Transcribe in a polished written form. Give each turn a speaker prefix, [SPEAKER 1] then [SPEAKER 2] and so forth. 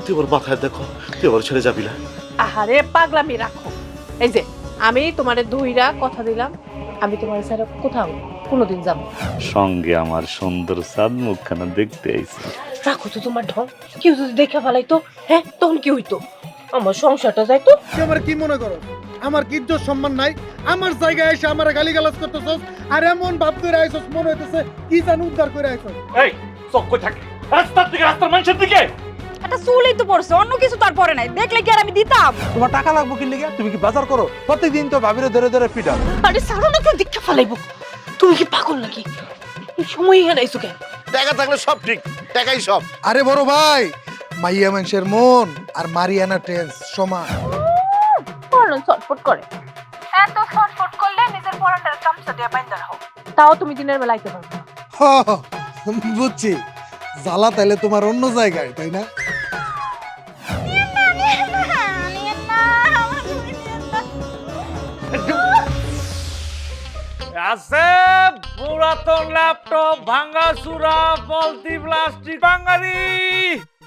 [SPEAKER 1] তুই ওর মাথায় দেখো, তুই ওর ছেড়ে যাবি না।
[SPEAKER 2] আহারে পাগলামি রাখো। এই যে আমি তোমারে দুইরা কথা দিলাম, আমি তোমার স্যার কোথাও কোনোদিন যাব না।
[SPEAKER 3] সঙ্গে আমার সুন্দর চাঁদ মুখখানা দেখতে আইছি।
[SPEAKER 2] রাখো তো তোমার ঢং, কেউ যদি দেখে ফেলাইতো, হ্যাঁ তখন কি হইতো? আমার সংসারটা যাইতো।
[SPEAKER 4] তুই আমার কি মনে করো? আমার কি ইজ্জত সম্মান নাই? আমার জায়গায় এসে আমার গালিগালাজ করতেছস, আর এমন ভাব করে আইছস মনে হইতেছে কি জানি উদ্ধার করে আইছস।
[SPEAKER 1] এই চোখ কই থাকে, রাস্তার দিকে, রাস্তার মানুষের দিকে।
[SPEAKER 5] একটা চুলই তো পড়ছে, অন্য কিছু তার পরে নাই, দেখলে কি আর আমি দিতাম?
[SPEAKER 6] তোমার টাকা লাগবো কি লেগে? তুমি কি বাজার করো? প্রত্যেকদিন তো ভাবিরে ধরে ধরে পিটাও।
[SPEAKER 2] আরে সারো না, কেউ দেখে ফেলাইবো। তুমি কি পাগল নাকি? এই সময় এখানে আইছো কেন?
[SPEAKER 1] টাকা থাকলে সব ঠিক, টাকাই সব।
[SPEAKER 4] আরে বড় ভাই, মাইয়া মানুষের মন আর মারিয়ানা টেন্স সমান।
[SPEAKER 2] বলো ছটফট করে। এত ছটফট করলে নিজের পরান্ডার গামছা দিয়ে বাইন্ধা রাখো। তাও তুমি দিনের বেলা আইতে পারো না।
[SPEAKER 4] হ, বুঝছি, জ্বালা তাইলে তোমার অন্য জায়গায়, তাই না?
[SPEAKER 6] আছে পুরাতন ল্যাপটপ, ভাঙা চুরা, পলতি প্লাস্টিক, বাঙালি